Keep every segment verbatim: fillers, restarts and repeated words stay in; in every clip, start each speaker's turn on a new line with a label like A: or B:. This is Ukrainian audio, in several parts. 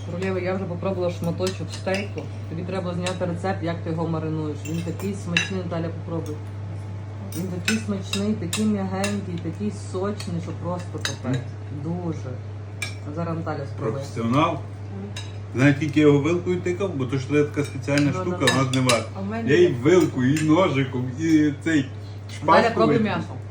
A: Королєва, я вже попробувала шматочок стейку. Тобі треба зняти рецепт, як ти його маринуєш. Він такий смачний, Наталя, попробуй. Він такий смачний, такий м'ягенький, такий сочний, що просто капець. Дуже. А зараз Наталя спробує.
B: Професіонал. Знаєте, тільки я його вилкою тикав, бо то що є така спеціальна
A: Ну,
B: штука,
A: да, да.
B: вона не варта.
C: А в мене
B: Я і
C: є.
B: вилкою, і ножиком, і цей
A: Наталя,
B: шпажку.
A: пробуй
B: витягнув.
A: м'ясо.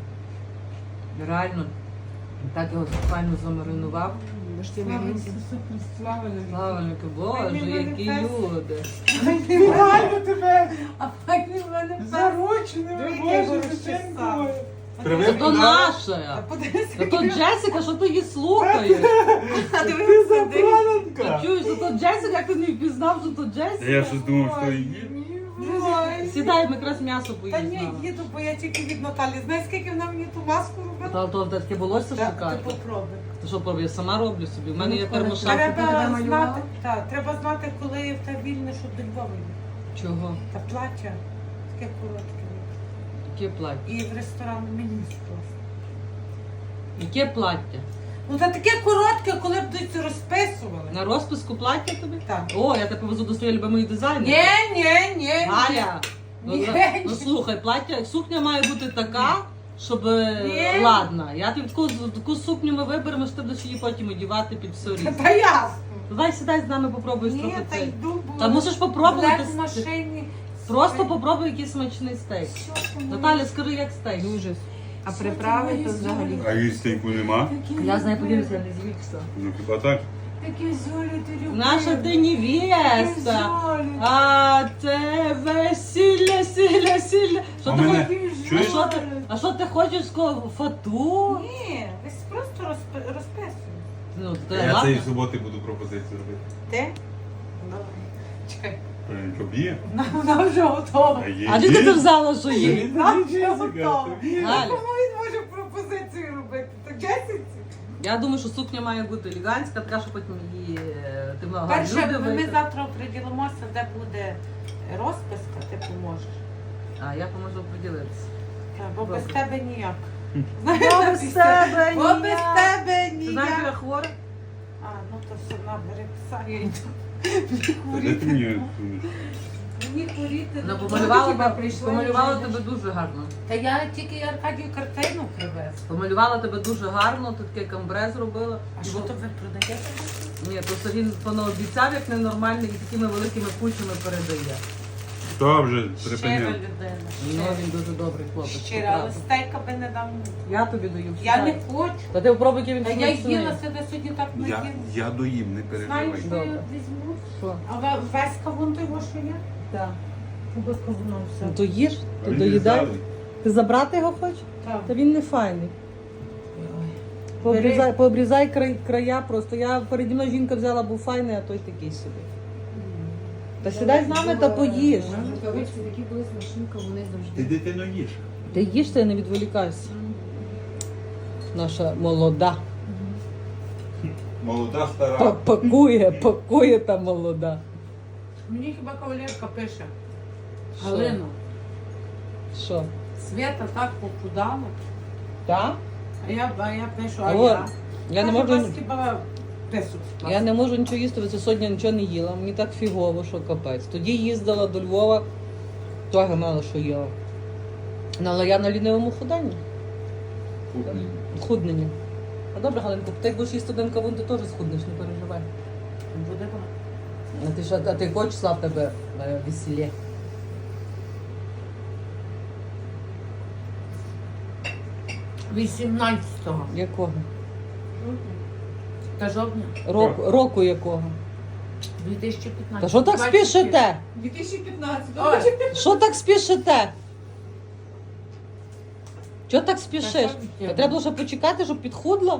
A: Реально. Так його файно замаринував.
C: Ви ж ті
D: Слава
C: мігінці.
D: Ісусу Христу,
A: Славеньки, боже, які люди.
D: Реально тебе
C: А так він в мене
D: зарученими,
C: Дві
D: Боже,
C: ігор
D: священкою.
B: Привик
A: Це то
B: туди.
A: наше.
C: Подивися,
A: Та то Джесіка, що ти її слухаєш?
C: а
D: Ти
C: дивися, дивись.
D: забраненка.
A: Чуєш, що то Джесіка, як ти не впізнав, що то
B: Та
A: Джесіка?
B: я щось думав, що її.
D: Ой.
A: Сідай, ми якраз м'ясо
D: Та ні,
A: поїздимо.
D: їду, бо я тільки від Наталі. Знаєш, скільки вона мені ту маску робила?
A: Та то та таке волосся
D: Та,
A: шикарне.
D: Ти попробуй.
A: Ти що пробуй, я сама роблю собі. У мене є
C: Ну,
A: термошапка.
C: ти тебе
D: Треба
C: малювала?
D: знати, та, треба знати, коли в тебе вільне, щоб до Львова йти.
A: Чого?
D: Та плаття таке коротке.
A: Яке плаття?
D: І в ресторан мені просто.
A: Яке плаття?
D: Ну та таке коротке, коли б десь розписували.
A: На розписку плаття тобі?
D: Так.
A: О, я тебе повезу до своєї любимої дизайнера.
D: Ні, ні, ні.
A: Галя, ну,
D: Ні.
A: ну слухай, плаття, сукня має бути така, щоб
D: Ні.
A: ладна. Я тобі таку, таку сукню ми виберемо, що ти будеш її потім одягати під все різне.
D: Та ясно.
A: Давай сідай з нами, попробуй
D: Ні,
A: трохи
D: та
A: цей.
D: йду, бо
A: Та мусиш попробувати.
D: в машині.
A: Просто попробуй якийсь смачний стейк. Наталя, скажи, як стейк?
C: Дуже. А
D: Що
C: приправи
D: ти
C: то
D: моєї
C: взагалі.
B: А їстейку нема?
A: Я з нею поділюся, я не звідся.
B: Ну хіба так?
D: Такі золі ти любиш.
A: Наша ти невеста. А те весілля, сілля, сілля. Що
B: А
A: ти
B: мене-
A: хочеш? А
B: чуєш?
A: що ти, а що ти хочеш сказати? Фату?
D: Ні, ви просто розпи- розписуєте.
A: Ну, то
B: Я
A: ладно.
B: цієї суботи буду пропозицію робити.
D: Ти? Давай. Чекай.
B: Е, Що б'є?
D: Вона, вона вже готова.
B: А є.
A: А де ти взяла, що є?
D: Вона вже готова.
A: Галя.
D: Кому він може пропозицію робити? Так Джесіці?
A: Я думаю, що сукня має бути елегантська, така, що потім її е, ти могла
D: Перше,
A: люди
D: ми
A: вийти.
D: завтра оприділимося, де буде розписка, ти поможеш.
A: А я поможу поділитися.
D: Так, бо без
A: Добре.
D: тебе ніяк.
A: Бо без тебе
D: Бо без
A: ніяк.
D: тебе
A: Ти знаєш, що я
D: ніяк.
A: хвора?
D: А, ну то все, набери пса, я йду.
B: Та де ти мені сунеш?
D: Мені хворіти.
A: Вона
D: ну,
A: помалювала,
D: хіба
A: тебе,
D: прийшла,
A: помалювала
D: вже
A: тебе
D: йдеш.
A: дуже гарно.
D: Та я тільки Аркадію картину привез.
A: Помалювала тебе дуже гарно, ти таке камбре зробила.
D: А
A: І
D: що
A: бо-
D: то ви продаєте?
A: Ні, то він понаобіцяв, як ненормальний, і такими великими кучами передає.
B: Хто вже
D: Щира
B: припиняв?
D: людина.
A: Ну,
D: щира.
A: він дуже добрий хлопець.
D: Щира, але
A: правда.
D: стейка би не дам.
A: Я тобі даю.
D: Я не
A: сідай.
D: хочу.
A: Та ти попробуй, який він
D: Та я
A: смачний.
D: їла сюди сьогодні так
B: Я,
D: наїла.
B: я доїм, не
D: Знаєш,
B: переживай.
D: що я
A: Добре.
D: візьму?
A: Що?
D: А ве- весь кавун той, що є?
A: Так.
D: Без кавуном все.
A: Ну то їж,
B: А
A: ти
B: він
A: доїдай.
B: не здалий.
A: Ти забрати його хочеш?
D: Так.
A: Та він не файний.
D: Ой.
A: Пообрізай, пообрізай край, края просто. Я переді мною жінка взяла, був файний, а той такий собі. Та сідай з нами та поїж.
C: Рукавиці такі були смачні, вони
B: Ти
C: завжди.
B: дитино їж.
A: Ти їж, ти не відволікайся. Наша молода.
B: Молода
A: Па-
B: стара.
A: Пакує, пакує та молода.
D: Мені хіба кавалерка пише.
A: Що?
D: Галино,
A: Що?
D: Свята так похудала.
A: Так?
D: А я, а я пишу, а
A: О,
D: я.
A: Я не
D: Каже,
A: можу.
D: «Вас хіба писуть.
A: Я не можу нічого їсти, бо це сьогодні нічого не їла. Мені так фігово, що капець. Тоді їздила до Львова, того мало що їла. Ну, але я на лінивому худанні.
B: Кухні.
A: Худненні. А добре, Галинко, ти як будеш їсти один кавун, ти теж схуднеш, не переживай.
D: Буде вона.
A: А ти що, а ти хочеш слав тебе е, весілля?
D: вісімнадцятого.
A: Якого?
D: Та жовтня.
A: Року, року якого?
D: дві тисячі п'ятнадцятого.
A: Та що так спішите?
D: дві тисячі п'ятнадцятого. Ой,
A: Що так спішите? Чого так спішиш?
D: Та що
A: Та треба було ще почекати, щоб підхудла.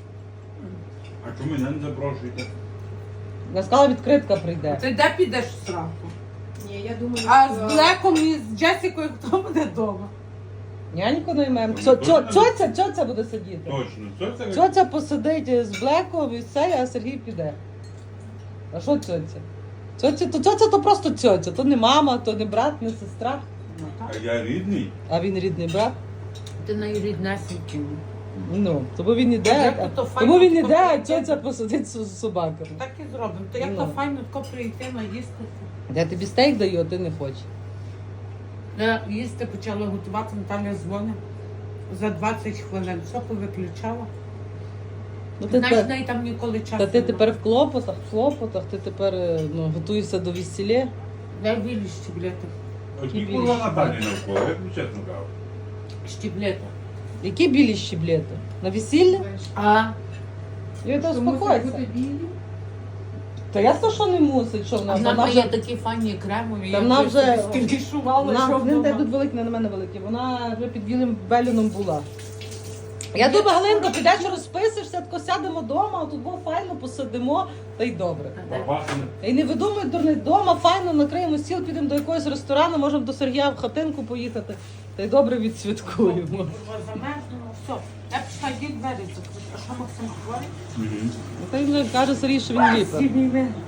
B: А чому мене не запрошуєте?
A: Я сказала, відкритка прийде.
D: ти де підеш в сраку?
C: Ні, я думаю,
D: А
C: що-
D: з Блеком і з Джесікою хто буде вдома?
A: Няньку наймемо. Цьо- цьо- Цьоця, цьоця буде сидіти.
B: Точно. Що це?
A: Цьоця посидить з Блеком і все, а Сергій піде. А що цьоця? Цьоця то, цьоця то просто цьоця. То не мама, то не брат, не сестра.
D: Ну
B: А
D: так.
B: я рідний.
A: А він рідний брат.
D: Ти найріднесенький.
A: Ну, тому він іде,
D: Як
A: а-
D: то файно
A: тому він
D: тако
A: іде, а
D: прийти.
A: цьоця посидить з собаками.
D: Так і зробимо. То як
A: Ну.
D: то файно тако прийти, наїсти.
A: Я тобі стейк даю, а ти не хочеш.
D: Я їсти почала готувати, Наталя дзвонить за двадцять хвилин. Все повиключала.
A: Ну, ти
D: Знаєш, в
A: тепер,
D: неї там ніколи часу.
A: та ти
D: нема.
A: тепер в клопотах, в хлопотах, ти тепер е, ну, готуєшся до весілля.
D: Дай білі щеблети.
B: Оті курва Наталі навколо, я тобі чесно кажу.
D: Щеблети.
A: Які білі щеблети? На весілля?
D: А,
A: Я то
C: Що мусить
A: успокойся.
C: бути білі?
A: Та я то, що не мусить, що вона,
D: вона
A: вона
D: має
A: вже...
D: такі файні кремові.
A: Та
D: я
A: вона
D: вже
A: вже-
D: собі скілішувала,
A: Вона,
D: що
A: вони
D: вдома.
A: йдуть великі, не на мене великі. Вона вже під білим беліном була. Я думаю, Галинко, підеш розписишся, тако сядемо вдома, а тут бо файно посидимо, та й добре.
B: Бабахне.
A: І не видумуй дурний, вдома файно накриємо стіл, підемо до якогось ресторану, можемо до Сергія в хатинку поїхати, та й добре відсвяткуємо.
D: Курва, замерзнуло, все. Я пішла, йдіть двері закрити. А що Максим говорить?
B: Мгм.
A: Ну, Та й вже каже Сергій, що він ліпер.
D: Сім'ї.